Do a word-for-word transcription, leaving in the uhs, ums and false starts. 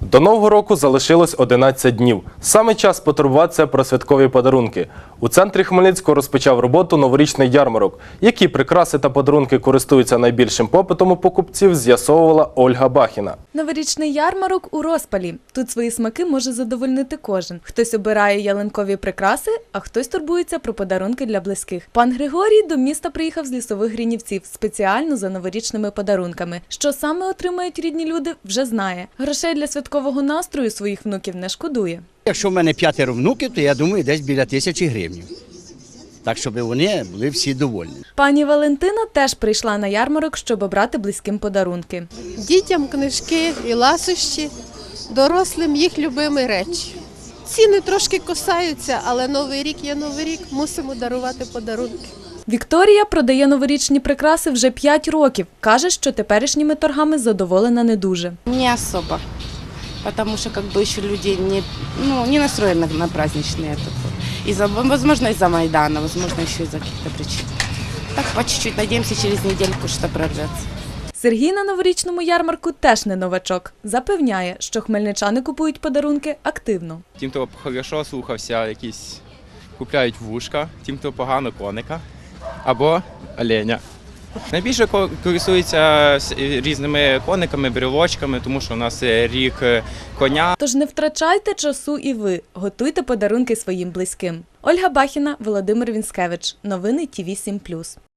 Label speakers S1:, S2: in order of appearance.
S1: До Нового року залишилось одинадцять днів. Саме час потурбуватися про святкові подарунки. У центрі Хмельницького розпочав роботу новорічний ярмарок. Які прикраси та подарунки користуються найбільшим попитом у покупців, з'ясовувала Ольга Бахіна.
S2: Новорічний ярмарок у розпалі. Тут свої смаки може задовольнити кожен. Хтось обирає ялинкові прикраси, а хтось турбується про подарунки для близьких. Пан Григорій до міста приїхав з Лісових Гринівців спеціально за новорічними подарунками. Що саме отримають рідні люди, вже знає. Грошей для святкового настрою своїх внуків не шкодує.
S3: Якщо в мене п'ятеро внуків, то я думаю, десь біля тисячі гривень. Так, щоб вони були всі довольні.
S2: Пані Валентина теж прийшла на ярмарок, щоб обрати близьким подарунки.
S4: Дітям книжки і ласощі, дорослим їх любимі речі. Ціни трошки косаються, але Новий рік є Новий рік, мусимо дарувати подарунки.
S2: Вікторія продає новорічні прикраси вже п'ять років. Каже, що теперішніми торгами задоволена не дуже.
S5: Не особо, потому что как бы еще люди не, ну, не настроены на праздничные. Из-за, возможно, из-за Майдана, возможно, еще из-за каких-то причин. Так по чуть-чуть, надеемся, через недельку что прорвется.
S2: Сергій на новорічному ярмарку теж не новачок. Запевняє, що хмельничани купують подарунки активно.
S6: Тим, хто хорошо слухався, якісь купляють вушка, тим, хто погано коника або оленя. Найбільше користуються різними кониками, брелочками, тому що у нас рік коня.
S2: Тож не втрачайте часу і ви. Готуйте подарунки своїм близьким. Ольга Бахіна, Володимир Вінськевич. Новини Ті Ві сім плюс.